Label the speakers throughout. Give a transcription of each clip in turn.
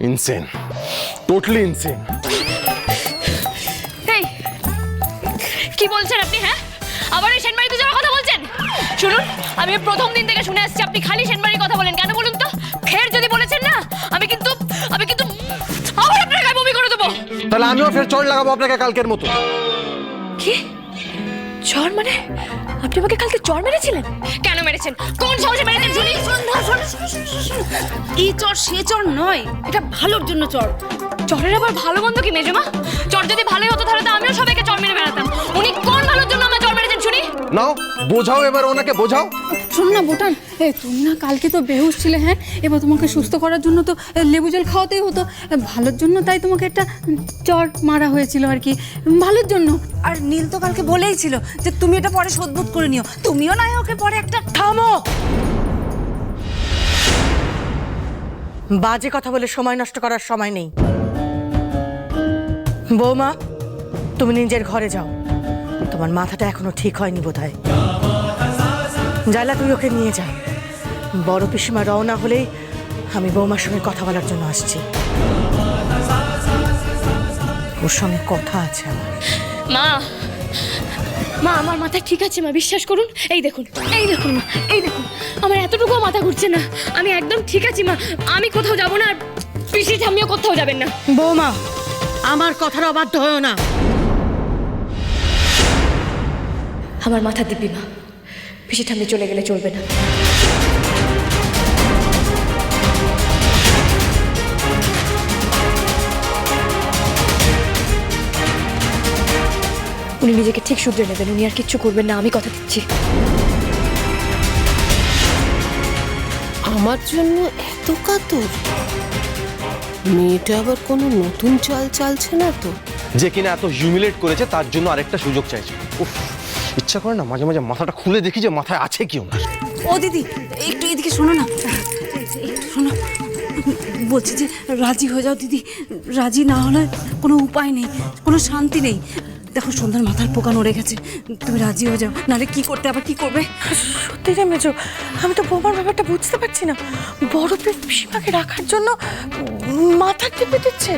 Speaker 1: Insane, totally insane.
Speaker 2: এই কি বলছেন আপনি? হ্যাঁ, আবার এই সেনবাড়িতে যাওয়ার কথা বলছেন? শুনুন, আমি প্রথম দিন থেকে শুনে আসছি আপনি খালি সেনবাড়ির কথা বলেন। কেন বলুন তো? ফের যদি বলেছেন না, আমি কিন্তু আবার আপনার গায়ে বমি করে দেবো।
Speaker 1: তাহলে আমিও ফের চড় লাগাবো আপনাকে কালকের মতো।
Speaker 2: কি চর মানে? আপনি আমাকে কালকে চর মেরেছিলেন? কেন মেরেছেন? কোন সাহসে মেরেছেন শুনি?
Speaker 3: এই চর সে চর নয়, এটা ভালোর জন্য চর।
Speaker 2: চরের আবার ভালো মন্দ কি মেজমা? চর যদি ভালোই হতো তাহলে তো আমিও সবাইকে চর মেরে বেড়াতাম। উনি কোন ভালোর জন্য আমার চর মেরেছেন শুনি?
Speaker 1: নাও বোঝাও, এবার ওনাকে বোঝাও।
Speaker 3: শোন না বোটান, তুমি না কালকে তো বেহুশ ছিলে, হ্যাঁ? এবার তোমাকে সুস্থ করার জন্য তো লেবু জল খাওয়াতেই হতো। ভালোর জন্য তাই তোমাকে একটা চর মারা হয়েছিল আর কি, ভালোর জন্য।
Speaker 4: আর নীল তো কালকে বলেই ছিল যে তুমি এটা পরে শোধবোধ করে নিও, তুমিও না ওকে পরে একটা।
Speaker 5: থামো, বাজে কথা বলে সময় নষ্ট করার সময় নেই। বৌমা, তুমি নিজের ঘরে যাও, তোমার মাথাটা এখনো ঠিক হয়নি বোধহয়। জালা, তুই ওকে নিয়ে যা। বড় পিসিমা রওনা হলেই আমি বৌমার সঙ্গে কথা বলার জন্য আসছি। ওর সঙ্গে কথা আছে আমার।
Speaker 2: মা, মা আমার মাথা ঠিক আছে মা, বিশ্বাস করুন। এই দেখুন মা, এই দেখুন, আমার এতটুকু মাথা ঘুরছে না। আমি একদম ঠিক আছি মা, আমি কোথাও যাব না, আর পিসি ঠাম্মিও কোথাও যাবেন না।
Speaker 5: বৌমা, আমার কথার অবাধ্য হয়েও না।
Speaker 2: আমার মাথা দিব্যি মা, পিসি ঠাম্মি চলে গেলে চলবে না। উনি নিজেকে ঠিক শুধরে নেবেন, উনি আর কিচ্ছু করবেন না, আমি কথা দিচ্ছি।
Speaker 6: আমার জন্য এত কাতর? মেয়েটা আবার কোনো নতুন চাল চালছে না তো?
Speaker 1: যে কিনা এত হিউমিলেট করেছে তার জন্য আরেকটা সুযোগ চাইছে। উফ, ইচ্ছা করে না মাঝে মাঝে মাথাটা খুলে দেখি যে মাথায় আছে কি ওনার।
Speaker 4: ও দিদি, একটু এদিকে শোনো না, একটু শোনো। বলছি যে রাজি হয়ে যাও দিদি, রাজি না হলে কোনো উপায় নেই, কোনো শান্তি নেই। দেখো সন্ধ্যার মাথার পোকা নড়ে গেছে, তুমি রাজি হয়ে যাও, নাহলে কি করতে আবার কি করবে।
Speaker 5: সত্যি রে মেজো, আমি তো বৌমার ব্যাপারটা বুঝতে পারছি না। বড় পিসিমাকে রাখার জন্য মাথা টিপে দিচ্ছে।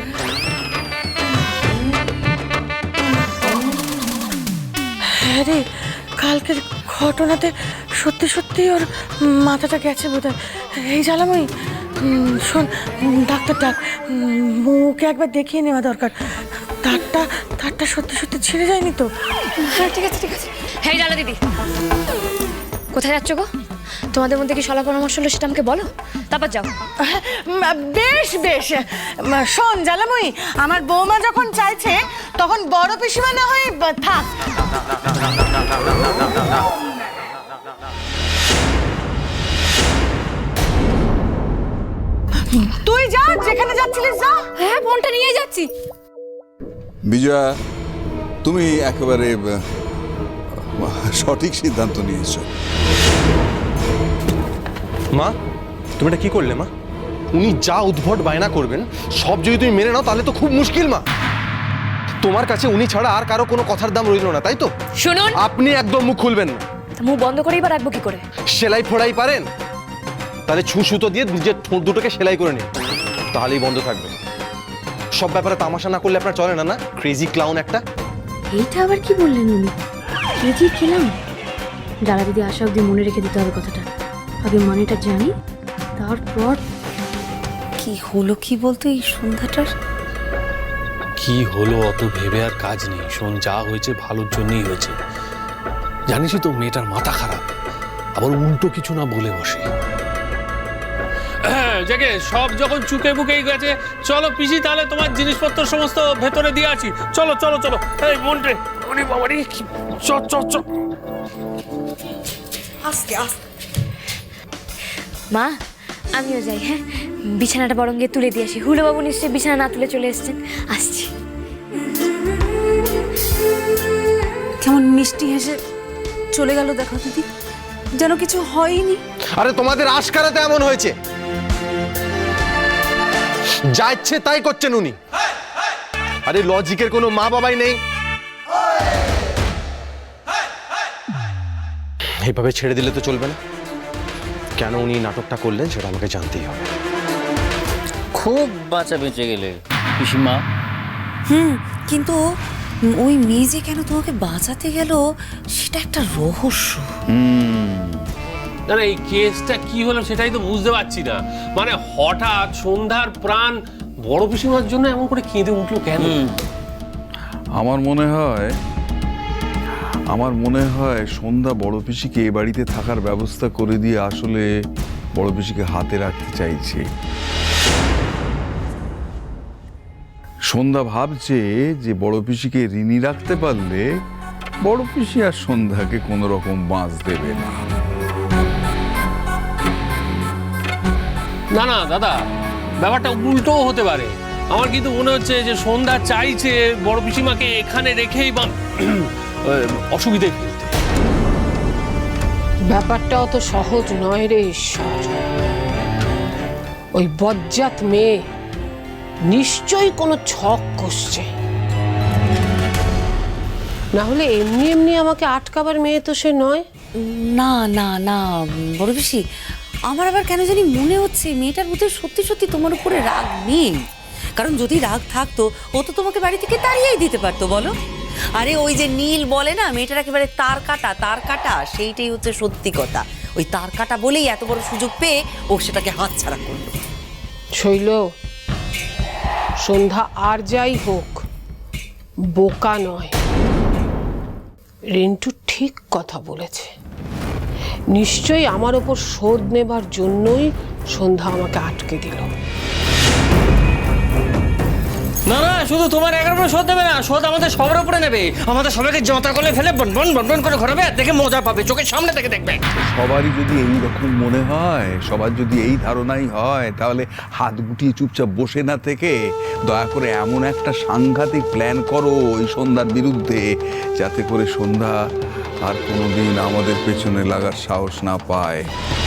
Speaker 5: হ্যাঁ রে, কালকের ঘটনাতে সত্যি সত্যি ওর মাথাটা গেছে বোধ হয়। এই জ্বালাময়ী, শোন, ডাক্তার ডাক, মুখে একবার দেখিয়ে নেওয়া দরকার। তারটা সত্যি সত্যি ছিঁড়ে যায়নি তো?
Speaker 2: হ্যাঁ ঠিক আছে ঠিক আছে। হ্যাঁ জালা দিদি, কোথায় যাচ্ছ গো? তোমাদের মধ্যে কি সলা পরামর্শ হলো সেটা আমাকে বলো, তারপর যাও।
Speaker 5: বেশ বেশ, শোন জ্বালাময়ী, আমার বৌমা যখন চাইছে তখন বড় পিসিমা না হয়ে থাক। তুই যা, যেখানে যাচ্ছিলিস যা।
Speaker 3: হ্যাঁ, ফোনটা নিয়ে যাচ্ছি।
Speaker 7: বিজয়া, তুমি একেবারে সঠিক সিদ্ধান্ত নিয়েছো।
Speaker 1: মা, তুমি এটা কি করলে মা? উনি যা উদ্ভট বায়না করবেন সব যদি তুমি মেনে নাও তাহলে তো খুব মুশকিল মা। তোমার কাছে উনি ছাড়া আর কারো কোনো কথার দাম রইল না, তাই তো?
Speaker 2: শুনুন,
Speaker 1: আপনি একদম মুখ খুলবেন না।
Speaker 2: মুখ বন্ধ করেই বা রাখবো কি করে?
Speaker 1: সেলাই ফোড়াই পারেন? তাহলে সুতো দিয়ে নিজের ঠোঁট দুটোকে সেলাই করে নিন, তাহলেই বন্ধ থাকবে। সব ব্যাপারে তামাশা না করলে আপনার চলে না। না ক্রেজি ক্লাউন একটা।
Speaker 8: এইটা আবার কি বললেন উনি? কেজি খেলাম? যারা দিদি আসা অব্দি মনে রেখে দিতে হবে কথাটা, আগে মানেটা জানি তারপর।
Speaker 4: কি হলো কি বলতো এই সন্ধ্যাটার?
Speaker 9: কি হলো অত ভেবে আর কাজ নেই। শোন, যা হয়েছে ভালোর জন্যই হয়েছে। জানিসই তো মেয়েটার মাথা খারাপ, আবার উল্টো কিছু না বলে বসে।
Speaker 10: জেগে সব যখন চুকে বুকেই গেছে, চলো পিসি, তাহলে তোমার জিনিসপত্র সমস্ত ভেতরে দিয়ে আছি। চলো চলো চলো। এই মন্টে, ওরে বাবারে, চ চ চ।
Speaker 4: আস্তে আস্তে।
Speaker 2: মা, আমিও যাই। হ্যাঁ, বিছানাটা বরং গিয়ে তুলে দিয়ে আসি। হুলোবাবু নিশ্চয়ই বিছানা না তুলে চলে এসেছেন। আসছি।
Speaker 4: কেমন মিষ্টি হেসে চলে গেল দেখো দিদি, যেন কিছু হয়নি।
Speaker 1: আরে তোমাদের আশকারাতে এমন হয়েছে, যা ইচ্ছে তাই করছেন উনি। আরে লজিকের কোনো মা বাবাই নেই। এইভাবে ছেড়ে দিলে তো চলবে না। কেন উনি নাটকটা করলেন সেটা আমাকে জানতেই হবে।
Speaker 11: খুব বাঁচা বেঁচে গেলে পিসিমা।
Speaker 4: কিন্তু ওই মেয়ে যে কেন তোমাকে বাঁচাতে গেল সেটা একটা রহস্য।
Speaker 10: না না, এই কেসটা কি হলো সেটাই তো বুঝতে পারছি না। মানে হঠাৎ সন্ধ্যার প্রাণ বড় পিসিমার জন্য এমন করে কেঁদে উঠলো কেন?
Speaker 7: আমার মনে হয় সন্ধ্যা বড় পিসিকে এ বাড়িতে থাকার ব্যবস্থা করে দিয়ে আসলে বড় পিসিকে হাতে রাখতে চাইছে। সন্ধ্যা ভাবছে যে বড় পিসিকে ঋণী রাখতে পারলে বড় পিসি আর সন্ধ্যাকে কোনো রকম বাঁচ দেবে না।
Speaker 10: না না দাদা, ব্যাপারটা উল্টোও হতে পারে। আমার কিন্তু মনে হচ্ছে যে সন্ধ্যা চাইছে বড় পিসিমাকে এখানে রেখেই বা অসুবিধে ফেলতে।
Speaker 5: ব্যাপারটা অত সহজ নয় রে ঈশ্বর। ওই বজ্জাত মেয়ে নিশ্চয়ই কোনো ছক কষছে, না হলে এমনি এমনি আমাকে আটকাবার মেয়ে তো সে নয়।
Speaker 4: না না না বড় পিসি, আমার আবার কেন জানি মনে হচ্ছে মেয়েটার মধ্যে সত্যি সত্যি তোমার উপরে রাগ নেই। কারণ যদি রাগ থাকতো ও তো তোমাকে বাড়ি থেকে তাড়িয়েই দিতে পারতো, বলো। আরে ওই যে নীল বলে না মেয়েটার একেবারে তার কাটা, সেইটাই হচ্ছে সত্যি কথা। ওই তার কাটা বলেই এত বড় সুযোগ পেয়ে ও সেটাকে হাতছাড়া করলো।
Speaker 5: শৈল, সন্ধ্যা আর যাই হোক বোকা নয়। রিন্টু ঠিক কথা বলেছে, নিশ্চয়ই আমার ওপর শোধ নেবার জন্যই সন্ধ্যা আমাকে আটকে দিল।
Speaker 11: না না, শুধু তোমার একার উপরে শোধ দেবে না, শোধ আমাদের সবার উপরে নেবে। আমাদের সবাইকে জঁতা করলে ফেলে বন করে ঘোরাবে, আর দেখে মজা পাবে, চোখের সামনে থেকে দেখবে।
Speaker 7: সবারই যদি এই রকম মনে হয়, সবার যদি এই ধারণাই হয়, তাহলে হাত গুটিয়ে চুপচাপ বসে না থেকে দয়া করে এমন একটা সাংঘাতিক প্ল্যান করো ওই সন্ধ্যার বিরুদ্ধে, যাতে করে সন্ধ্যা আর কোনোদিন আমাদের পেছনে লাগার সাহস না পায়।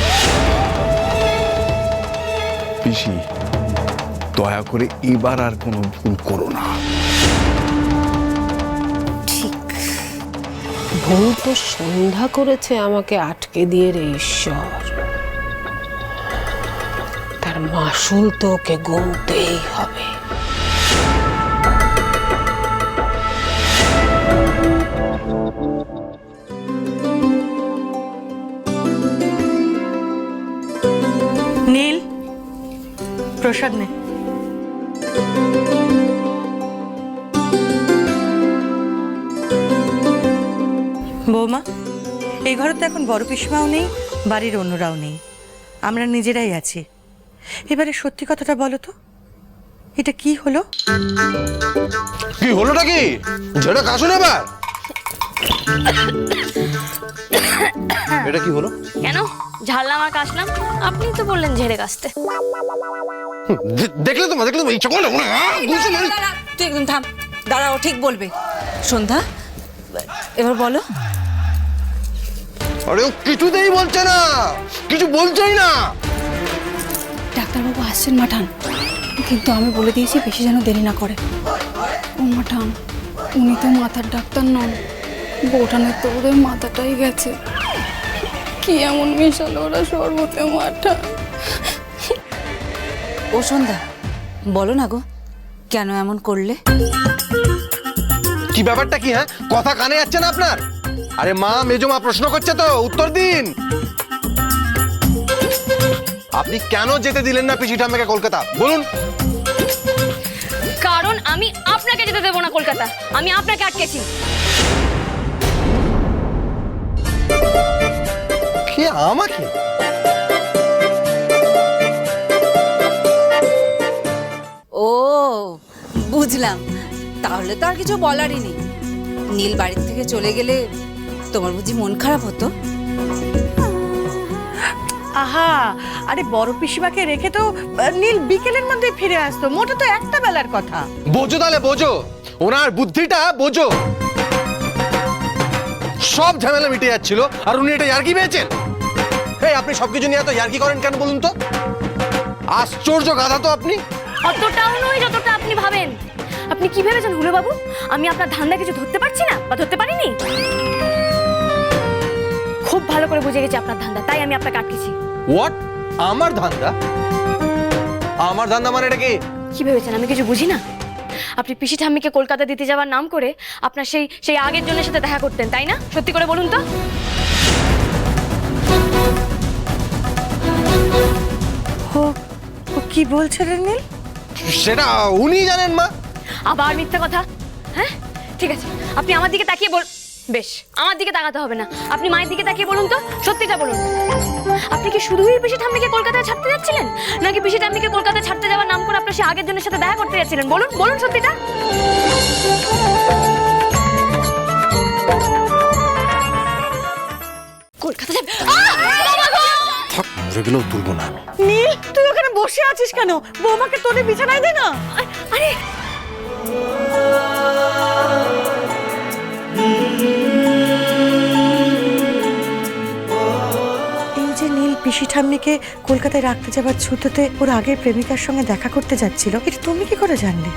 Speaker 7: পিসি, দয়া করে এবার আর কোনো ভুল করো না।
Speaker 5: ভুল তো সন্ধ্যা করেছে আমাকে আটকে দিয়ে রে ঈশ্বর, তার মাসুল তো ওকে গুনতেই হবে। নীল, প্রসাদ নে।
Speaker 12: বৌমা, এই ঘরে তো এখন বড় পিসিমাও নেই, বাড়ির অন্যরাও নেই, আমরা নিজেরাই আছি। এবারে সত্যি কথাটা বলো তো, এটা কি হলো?
Speaker 1: কি হলোটা কি? ঝেড়ে কাশুন এবার। এটা কি হলো?
Speaker 2: কেন ঝাড়লাম আর কাশলাম? আপনি তো বললেন ঝেড়ে কাশতে।
Speaker 1: দেখলে তো এই চকলটা
Speaker 4: তুই একদম থাম, দাঁড়াও, ঠিক বলবে। সন্ধ্যা, এবার বলো।
Speaker 1: আরে ও কিছুতেই বলছে না, কিছু বলছেই না।
Speaker 3: ডাক্তারবাবু আসছেন মাঠান, কিন্তু আমি বলে দিয়েছি বেশি যেন দেরি না করে। ও মাঠান, উনি তো মাথার ডাক্তার নন, বউঠানের তো ওদের মাথাটাই গেছে। কি এমন মেশালো ওরা সর্বতে মাঠা।
Speaker 4: ও সন্ধ্যা, বলো না গো, কেন এমন করলে?
Speaker 1: কি ব্যাপারটা কি? হ্যাঁ, কথা কানে যাচ্ছে না আপনার? আরে মা, মেজো মা প্রশ্ন করছে তো, উত্তর দিন। আপনি কেন যেতে দিলেন না পিসি ঠাম্মাকে কলকাতা, বলুন?
Speaker 2: কারণ আমি আপনাকে যেতে দেবো না কলকাতা, আমি আপনাকে আটকেছি।
Speaker 1: কে আমাকে?
Speaker 4: ও বুঝলাম, তাহলে তো আর কিছু বলারই নেই। নীল বাড়ির থেকে চলে গেলে তোমার বুঝি মন খারাপ হতো?
Speaker 12: আহা, আরে বড় পিসিমাকে রেখে তো নীল বিকেলের মধ্যে ফিরে আসতো, মোটে তো একটা বেলার কথা।
Speaker 1: বোঝো তাহলে, বোঝো ওনার বুদ্ধিটা, বোঝো। সব ঝামেলা মিটে যাচ্ছিল আর উনি এটা ইয়ার্কি পেয়েছেন। এই আপনি সবকিছু নিয়ে এত ইয়ার্কি করেন কেন বলুন তো? আশ্চর্য গাধা তো আপনি।
Speaker 2: অতটাও নয় যতটা আপনি ভাবেন। আপনি কি ভেবেছেন হুলো বাবু, আমি আপনার ধান্দা কিছু ধরতে পারছি না বা ধরতে পারিনি? খুব ভালো করে বুঝে গেছি আপনার ধান্দা, তাই আমি আপনাকে আটকেছি।
Speaker 1: হোয়াট? আমার ধান্দা? আমার ধান্দা মানে এটা কি?
Speaker 2: কি ভেবেছেন আমি কিছু বুঝি না? আপনি পিসি ঠাম্মিকে কলকাতা দিতে যাওয়ার নাম করে আপনার সেই আগের জনের সাথে দেখা করতেন, তাই না? সত্যি করে বলুন তো।
Speaker 12: ও কি বলছে রে নীল?
Speaker 1: সেটা উনি জানেন মা।
Speaker 2: আবার মিথ্যা কথা? হ্যাঁ ঠিক আছে, আপনি আমার দিকে তাকিয়ে বেশ, আমার দিকে তাকাতে হবে না, আপনি মায়ের দিকে তাকিয়ে বলুন তো, সত্যিটা বলুন। আপনি কি শুধুই পিসি ঠাম্মিকে কলকাতায় ছাড়তে যাচ্ছিলেন, নাকি পিসি ঠাম্মিকে কলকাতায় ছাড়তে যাওয়ার নাম করে আপনার সেই আগের জনের সাথে দেখা করতে যাচ্ছিলেন? বলুন বলুন সত্যিটা। কলকাতা যাবে?
Speaker 1: থাক, মরে গেলেও তুলবো না আমি।
Speaker 12: নীল তুই ওখানে বসে আছিস কেন? বৌমাকে তোরে বিছানায় দে না।
Speaker 2: আরে
Speaker 12: এই যে নীল পিসি ঠাম্মিকে কলকাতায় রাখতে যাবার ছুতোতে ওর আগের প্রেমিকার সঙ্গে দেখা করতে যাচ্ছিল, এটা তুমি কি করে জানলে?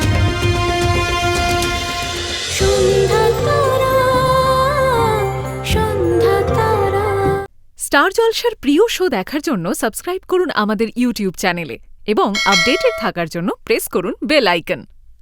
Speaker 13: স্টার জলসার প্রিয় শো দেখার জন্য সাবস্ক্রাইব করুন আমাদের ইউটিউব চ্যানেলে এবং আপডেটেড থাকার জন্য প্রেস করুন বেল আইকন।